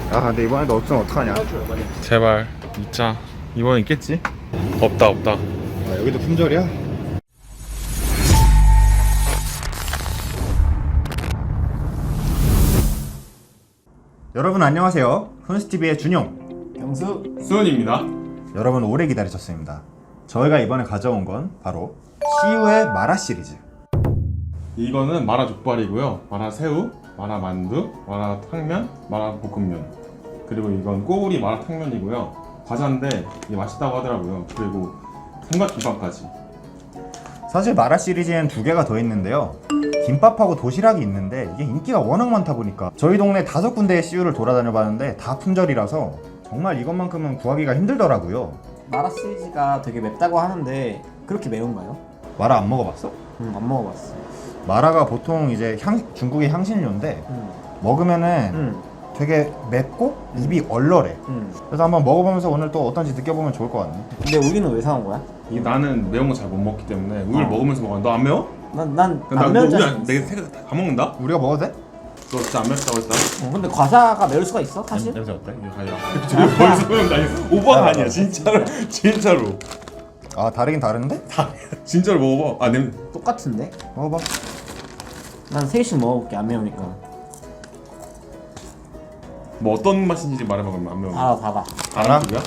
아 근데 이번에도 없으면 어떡하냐. 제발 있자. 이번엔 있겠지? 없다. 아 여기도 품절이야? 여러분 안녕하세요. 훈스TV의 준용, 경수. 수은입니다. 여러분 오래 기다리셨습니다. 저희가 이번에 가져온 건 바로 CU의 마라 시리즈. 이거는 마라 족발이고요. 마라 새우, 마라 만두, 마라 탕면, 마라 볶음면. 그리고 이건 꼬우리 마라 탕면이고요. 과자인데 이게 맛있다고 하더라고요. 그리고 삼각김밥까지. 사실 마라 시리즈엔 두 개가 더 있는데요. 김밥하고 도시락이 있는데 이게 인기가 워낙 많다 보니까 저희 동네 5군데의 CU를 돌아다녀 봤는데 다 품절이라서 정말 이것만큼은 구하기가 힘들더라고요. 마라 시리즈가 되게 맵다고 하는데 그렇게 매운가요? 마라 안 먹어봤어? 안 먹어봤어. 마라가 보통 이제 중국의 향신료인데 먹으면은 되게 맵고 입이 얼얼해. 그래서 한번 먹어보면서 오늘 또 어떤지 느껴보면 좋을 것 같네. 근데 우리는 왜 사온 거야? 나는 매운 거 잘 못 먹기 때문에 우유를 먹으면서 먹어. 너 안 매워? 난안 너 매운 우유 자. 내가 다 먹는다? 우리가 먹어도 돼? 너 진짜 안 맵다고 했다? 근데 과자가 매울 수가 있어 사실? 냄새 어때? 이거 가야. 지금 벌써 매운 거 아니야? 오버가 아니야 진짜로. 아 다르긴 다른데? 진짜로 먹어봐. 아 냄새. 똑같은데? 먹어봐. 난 3개씩 먹어볼게 안 매우니까. 뭐 어떤 맛인지 말해봐. 그러면 안 매운. 봐봐. 알아? 그거야?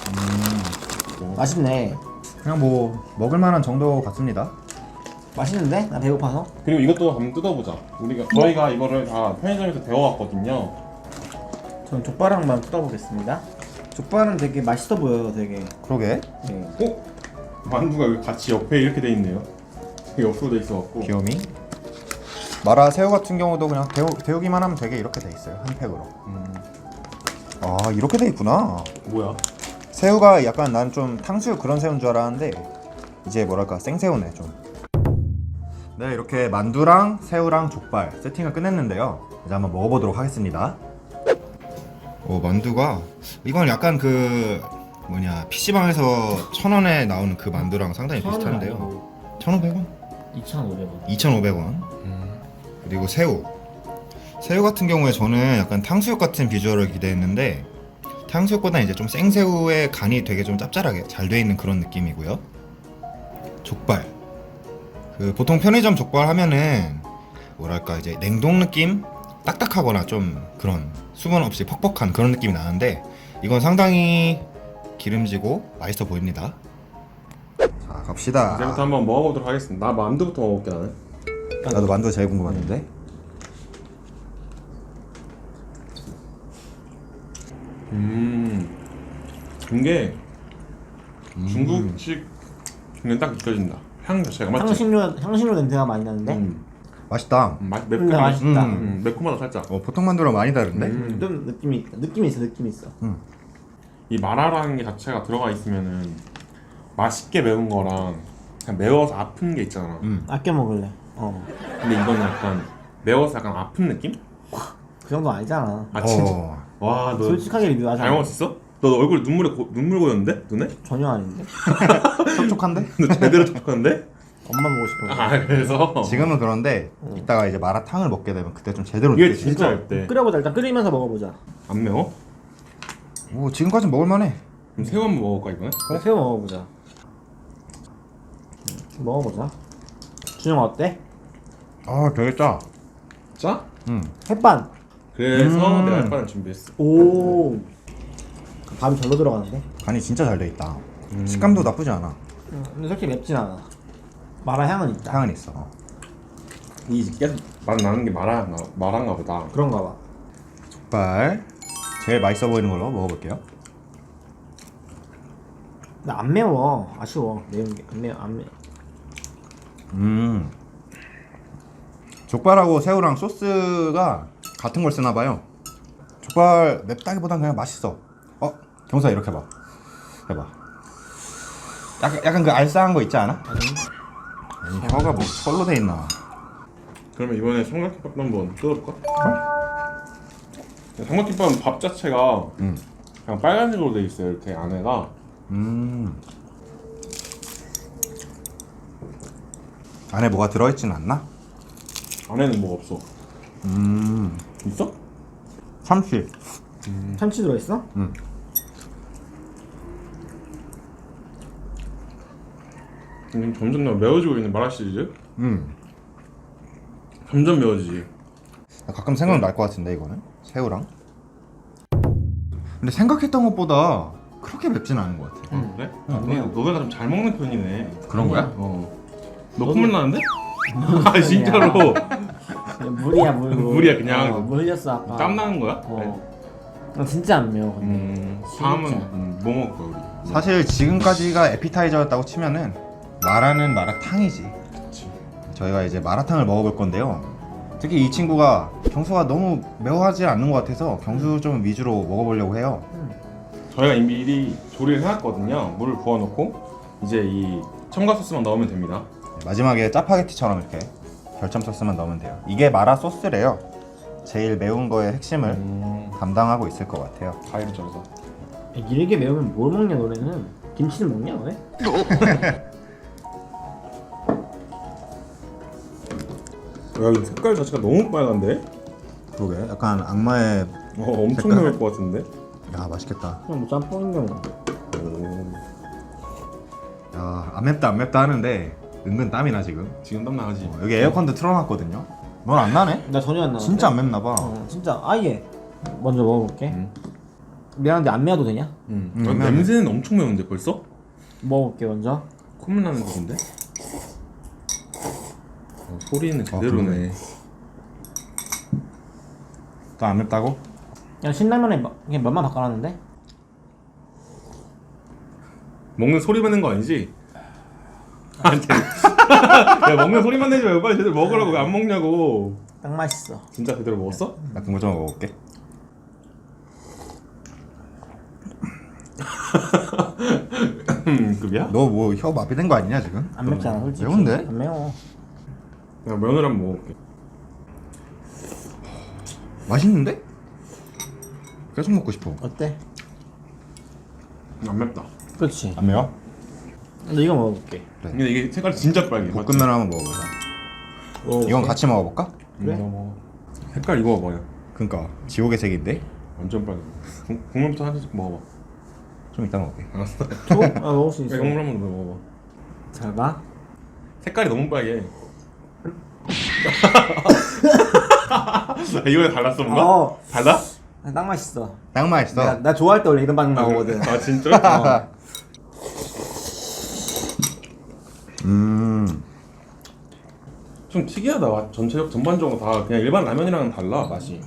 맛있네. 그냥 뭐 먹을만한 정도 같습니다. 맛있는데? 나 배고파서. 그리고 이것도 한번 뜯어보자. 저희가 이거를 다 편의점에서 데워왔거든요. 전 족발랑만 뜯어보겠습니다. 족발은 되게 맛있어 보여요 되게. 그러게. 네. 만두가 여기 같이 옆에 이렇게 돼 있네요. 이게 옆으로 돼 있어갖고. 귀요미. 마라 새우 같은 경우도 그냥 데우기만 하면 되게 이렇게 돼 있어요. 한 팩으로. 아 이렇게 돼 있구나. 뭐야? 새우가 약간 난 좀 탕수육 그런 새우인 줄 알았는데 이제 뭐랄까 생새우네 좀. 네 이렇게 만두랑 새우랑 족발 세팅을 끝냈는데요. 이제 한번 먹어보도록 하겠습니다. 만두가 이건 약간 그 뭐냐 PC방에서 1,000원에 나오는 그 만두랑 상당히 비슷한데요. 1,500원? 2,500원. 2,500원. 그리고 새우 같은 경우에 저는 약간 탕수육 같은 비주얼을 기대했는데 탕수육보다 이제 좀 생새우의 간이 되게 좀 짭짤하게 잘 돼 있는 그런 느낌이고요. 족발 그 보통 편의점 족발 하면은 뭐랄까 이제 냉동 느낌? 딱딱하거나 좀 그런 수분 없이 퍽퍽한 그런 느낌이 나는데 이건 상당히 기름지고 맛있어 보입니다. 자 갑시다. 이제부터 한번 먹어보도록 하겠습니다. 나 만두부터 먹어볼게 나는. 나도 만두가 제일 궁금한데. 이게 중국식 그냥 딱 느껴진다. 향 자체가 맞지? 향신료 냄새가 많이 나는데? 맛있다. 맛있다. 매콤하다 살짝. 보통 만두랑 많이 다른데? 좀 느낌이 있어. 이 마라라는 게 자체가 들어가 있으면은 맛있게 매운 거랑 그냥 매워서 아픈 게 있잖아. 아껴 먹을래. 근데 이거는 약간 매워서 약간 아픈 느낌? 그 정도 아니잖아. 아 진짜? 와 너 솔직하게 리뷰하자. 잘 먹었어? 너 얼굴에 눈물 고였는데? 눈에? 전혀 아닌데. 촉촉한데? 너 제대로 촉촉한데? 엄마 보고 싶어. 아 그래서 지금은 그런데 이따가 이제 마라탕을 먹게 되면 그때 좀 제대로 이게 느껴지지. 진짜 얇대. 끓여보자. 일단 끓이면서 먹어보자. 안 매워? 지금까지 먹을만해. 그럼 새우 한번 먹어볼까 이번에? 새우 먹어보자. 먹어보자. 준영 어때? 되게 짜. 짜? 햇반. 그래서 내가 햇반을 준비했어. 오. 밥이 절로 들어가는데? 간이 진짜 잘 돼 있다. 식감도 나쁘지 않아. 근데 솔직히 맵진 않아. 마라 향은 있다. 향은 있어. 이 계속 맛 나는 게 마라인가 보다. 그런가 봐. 족발 제일 맛있어 보이는 걸로 먹어볼게요. 근데 안 매워. 아쉬워. 매운 게 안 매워. 족발하고 새우랑 소스가 같은 걸 쓰나 봐요. 족발 맵다기보단 그냥 맛있어. 경사 이렇게 봐. 해봐. 약간 그 알싸한 거 있지 않아? 아니 혀가 뭐 털로 돼 있나? 그러면 이번에 삼각김밥도 한번 뜯어볼까? 삼각김밥은 밥 자체가 그냥 빨간색으로 돼 있어요. 이렇게 안에가. 안에 뭐가 들어있진 않나? 안에는 뭐 없어. 있어? 참치. 참치 들어있어? 점점 더 매워지고 있는 마라 시리즈. 음. 점점 매워지지. 가끔 생각날 것 같은데 이거는 새우랑. 근데 생각했던 것보다 그렇게 맵진 않은 것 같아. 그래? 안 매워. 너네가 좀 잘 먹는 편이네. 그런 거야? 너 콧물 나는데? 아 진짜로 물이야 물. 물이야, 그냥. 물 흘렸어 아까. 땀 나는 거야? 진짜 안 매워 근데. 다음은 뭐 먹을 거야 우리? 사실 지금까지가 에피타이저였다고 치면은 마라는 마라탕이지. 그치. 저희가 이제 마라탕을 먹어볼 건데요. 특히 이 친구가 경수가 너무 매워하지 않는 것 같아서 경수 좀 위주로 먹어보려고 해요. 저희가 이미 미리 조리를 해놨거든요. 물을 부어놓고 이제 이 첨가 소스만 넣으면 됩니다. 마지막에 짜파게티처럼 이렇게 결점 소스만 넣으면 돼요. 이게 마라 소스래요. 제일 매운 거의 핵심을 담당하고 있을 것 같아요. 가위로 썰어서. 이렇게 매우면 뭘 먹냐 너네는? 김치는 먹냐 왜? 야 이거 색깔 자체가 너무 빨간데? 그러게 약간 악마의 엄청 색깔? 매울 것 같은데? 야 맛있겠다. 그냥 뭐 짬뽕인데 뭐. 야 안 맵다 안 맵다 하는데 은근 땀이 나 지금. 지금 땀 나지? 여기 에어컨도 틀어놨거든요. 넌 안 나네? 나 전혀 안 나. 진짜 안 맵나 봐. 진짜 아예. 먼저 먹어볼게. 미안한데 안 매워도 되냐? 냄새는 엄청 매운데 벌써? 먹어볼게 먼저. 콧물 나는 건데? 소리는 제대로네. 또 안 맵다고? 그냥 신라면에 그냥 맛만 바꿔놨는데? 먹는 소리만 낸 거 아니지? 아니 야 먹는 소리만 내지 말고 빨리 제대로 먹으라고 왜 안 먹냐고. 딱 맛있어. 진짜 제대로 먹었어? 나 그거 좀 먹어볼게. 급이야? 너 뭐 혀 마비된 거 아니냐 지금? 안 맵잖아 솔직히. 매운데? 안 매워. 야 면을 한번 먹어볼게. 맛있는데? 계속 먹고 싶어. 어때? 안 맵다. 그렇지. 안 매워? 근데 이거 먹어볼게. 근데 이게 색깔이 진짜 빨개. 맞지? 볶음면 한번 먹어보자. 이건 같이 먹어볼까? 그래? 먹어. 색깔 이거 봐봐요. 그니까 지옥의 색인데? 완전 빨개. 국물부터 한 잔씩 먹어봐. 좀 이따 먹을게. 알았어. 줘? 아 먹을 수 있어. 국물 한번 먹어봐. 잘 봐. 색깔이 너무 빨개. 이거에 달랐어 뭔가? 달라? 딱 맛있어. 딱 맛있어. 나 좋아할 때 원래 이런 반응 나오거든. 아 진짜? 좀 특이하다. 맛 전반적으로 다 그냥 일반 라면이랑은 달라 맛이.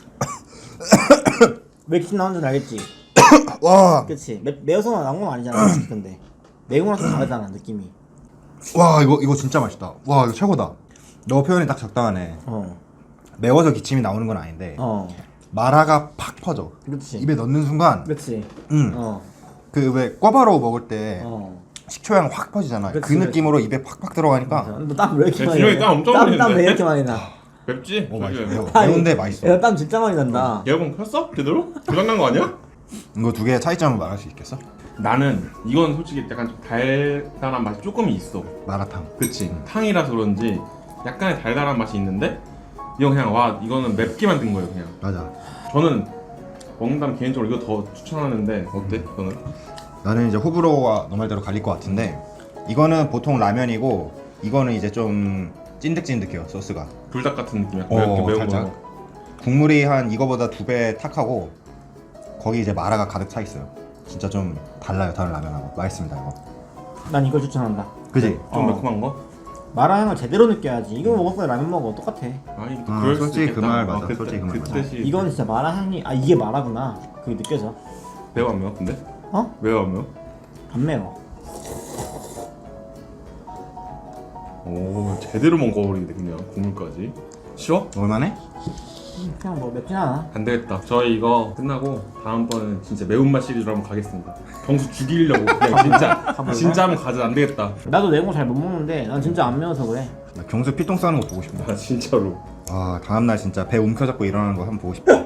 왜 이렇게 나온 줄 알겠지? 와, 그치? 매워서 나온 건 아니잖아 솔직히 근데 매운 거랑 좀 다르잖아 느낌이. 와 이거 진짜 맛있다. 와 이거 최고다. 너 표현이 딱 적당하네. 매워서 기침이 나오는 건 아닌데 마라가 팍 퍼져. 그치. 입에 넣는 순간, 그치. 그 왜 꿔바로우 먹을 때 식초향 확 퍼지잖아. 그치, 그 느낌으로 입에 팍팍 들어가니까. 너 땀 왜 이렇게 야, 많이 진영이 땀 엄청 많이 땀 왜 흘리는데? 이렇게 많이 나? 맵지? 맛있어. 아니, 매운데 맛있어. 야, 땀 진짜 많이 난다. 에어컨 켰어? 제대로? 고장난 거 아니야? 이거 두 개의 차이점을 말할 수 있겠어? 나는 이건 솔직히 약간 좀 달달한 맛이 조금 있어. 마라탕. 그치? 탕이라서 그런지 약간의 달달한 맛이 있는데 이건 그냥 와 이거는 맵게 만든 거예요 그냥. 맞아. 저는 먹는다면 개인적으로 이거 더 추천하는데 어때? 이거는? 나는 이제 호불호가 너 말대로 갈릴 것 같은데 이거는 보통 라면이고 이거는 이제 좀 찐득찐득해요 소스가. 불닭 같은 느낌 약간 맵게 매운 살짝. 거. 국물이 한 이거보다 2배 탁하고 거기 이제 마라가 가득 차 있어요. 진짜 좀 달라요 다른 라면하고. 맛있습니다 이거. 난 이걸 추천한다. 그지? 좀 매콤한 거? 마라향을 제대로 느껴야지. 이거 먹을 거야 라면 먹어 똑같아. 아니 아, 그럴 수도 솔직히 그 있겠다. 말 맞아. 그때, 솔직히 그 말 맞아. 뜻이 이건 진짜 마라향이 이게 마라구나. 그게 느껴져. 매워 안 매워 근데? 어? 매워 안 매워? 안 매워. 오 제대로 먹어버리네 그냥 국물까지. 쉬워? 먹을만해? 그냥 뭐 맵진 않아. 안 되겠다. 저희 이거 끝나고 다음번은 진짜 매운맛 시리즈로 한번 가겠습니다. 경수 죽이려고 그냥 진짜 한번 가자. 안 되겠다. 나도 매운 거 잘 못 먹는데 난 진짜 안 매워서 그래. 나 경수 피똥 싸는 거 보고 싶다. 아 진짜로. 와 다음날 진짜 배 움켜잡고 일어나는 거 한번 보고 싶다.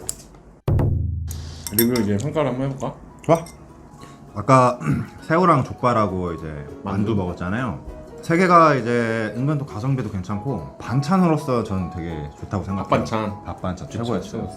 리뷰 이제 평가를 한번 해볼까? 좋아. 아까 새우랑 족발하고 이제 만두 먹었잖아요. 세 개가 이제 은근 또 가성비도 괜찮고 반찬으로서 저는 되게 좋다고 생각해요. 밥반찬. 밥반찬 그쵸, 최고였어요. 최고였어.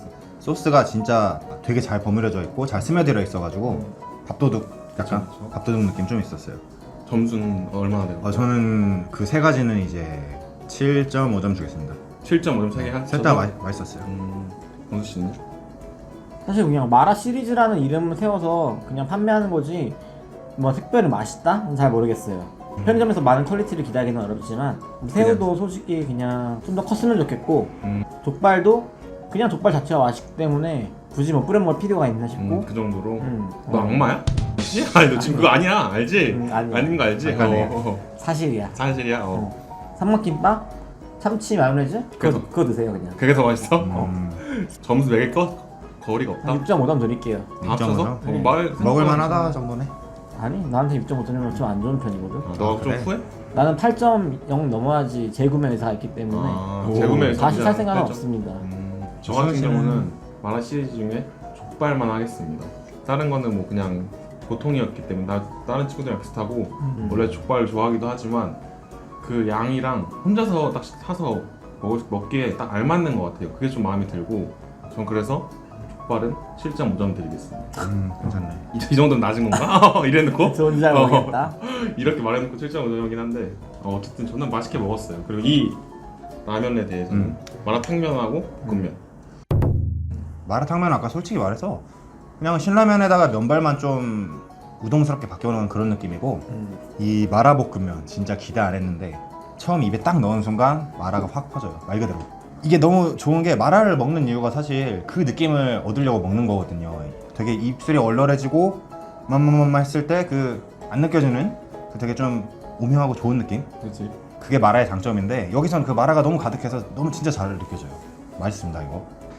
소스가 진짜 되게 잘 버무려져 있고 잘 스며들어 있어가지고 밥도둑 약간 그쵸. 밥도둑 느낌 좀 있었어요. 점수는 얼마나 돼요? 저는 그 세 가지는 이제 7.5점 주겠습니다. 7.5점 3개 한. 셋 다 맛있었어요. 원수 씨는? 사실 그냥 마라 시리즈라는 이름을 세워서 그냥 판매하는 거지 뭐 특별히 맛있다? 잘 모르겠어요. 편의점에서 많은 퀄리티를 기대하기는 어렵지만 새우도 솔직히 그냥 좀 더 컸으면 좋겠고 족발도 그냥 족발 자체가 맛있기 때문에 굳이 뭐 뿌려 먹을 필요가 있나 싶고 그 정도로. 너 어. 악마야? 아니 너 지금 그거 아니야 알지? 아니야. 아닌 거 알지? 약간의 사실이야. 사실이야. 삼각김밥, 참치 마요네즈 그래서- 그거 드세요 그냥. 그게 더 맛있어? 음, 점수 매길 거리가 없다. 한 6.5점 드릴게요. 다 합쳐서? 6.5점? 네. 먹을만하다 정도네. 아니 나한테 6.5점이면 좀 안 좋은 편이거든. 너가 아, 좀 그래? 후회? 나는 8.0 넘어야지 재구매 의사가 있기 때문에 아, 오. 재구매 다시 살 생각은 8점? 없습니다. 저 같은 수현 씨는- 경우는 마라 시리즈 중에 족발만 하겠습니다. 다른 거는 뭐 그냥 보통이었기 때문에 다른 친구들이랑 비슷하고 원래 족발을 좋아하기도 하지만 그 양이랑 혼자서 딱 사서 먹기에 딱 알맞는 것 같아요. 그게 좀 마음에 들고 전 그래서 족발은 7.5점 드리겠습니다. 괜찮네. 이 정도는 낮은 건가? 이래놓고 좋은지 잘 모르겠다. 이렇게 말해놓고 7.5점이긴 한데 어쨌든 저는 맛있게 먹었어요. 그리고 이 라면에 대해서는 마라탕면하고 볶음면 마라탕면 아까 솔직히 말해서 그냥 신라면에다가 면발만 좀 우동스럽게 바뀌어놓은 그런 느낌이고 이 마라볶음면 진짜 기대 안 했는데 처음 입에 딱 넣은 순간 마라가 확 퍼져요. 말 그대로. 이게 너무 좋은 게 마라를 먹는 이유가 사실 그 느낌을 얻으려고 먹는 거거든요. 되게 입술이 얼얼해지고 맘맘맘 했을 때 그 안 느껴지는 그 되게 좀 오묘하고 좋은 느낌? 그렇지. 그게 마라의 장점인데 여기선 그 마라가 너무 가득해서 너무 진짜 잘 느껴져요. 맛있습니다 이거.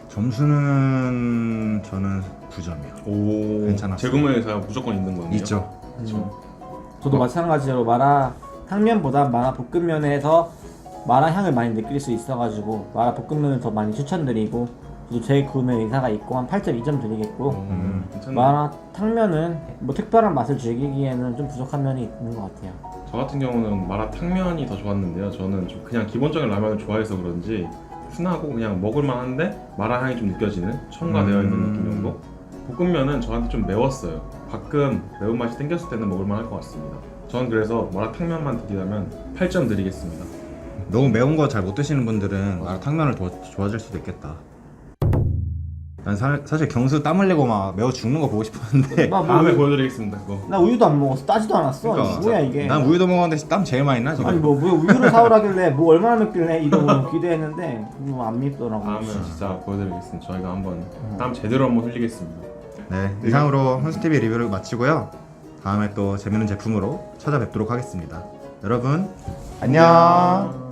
점수는 저는 9점이요. 오 괜찮았어요. 재구매에서 무조건 있는 거네요. 있죠. 저도 마찬가지로 마라 탕면보다 마라 볶음면에서 마라 향을 많이 느낄 수 있어가지고 마라 볶음면을 더 많이 추천드리고 저도 재구매 의사가 있고 한 8.2점 드리겠고 괜찮네. 마라 탕면은 뭐 특별한 맛을 즐기기에는 좀 부족한 면이 있는 것 같아요. 저 같은 경우는 마라탕면이 더 좋았는데요. 저는 좀 그냥 기본적인 라면을 좋아해서 그런지 순하고 그냥 먹을만한데 마라 향이 좀 느껴지는 첨가되어 있는 느낌 정도. 볶음면은 저한테 좀 매웠어요. 가끔 매운맛이 땡겼을 때는 먹을만할 것 같습니다. 저는 그래서 마라탕면만 드리자면 8점 드리겠습니다. 너무 매운 거 잘 못 드시는 분들은 마라탕면을 더 좋아질 수도 있겠다. 난 사실 경수 땀 흘리고 막 매워 죽는 거 보고 싶었는데 나, 뭐 다음에 우유, 보여드리겠습니다. 그거. 나 우유도 안 먹었어. 따지도 않았어. 그러니까. 뭐야 이게. 난 우유도 먹었는데 땀 제일 많이 나 지금. 아니 뭐 우유를 사오라길래 뭐 얼마나 맵길래 이러고 기대했는데 뭐 안 맵더라고. 다음에 진짜 보여드리겠습니다. 저희가 한번 땀 제대로 한번 흘리겠습니다. 네, 이상으로 혼스TV 리뷰를 마치고요. 다음에 또 재밌는 제품으로 찾아뵙도록 하겠습니다. 여러분 안녕.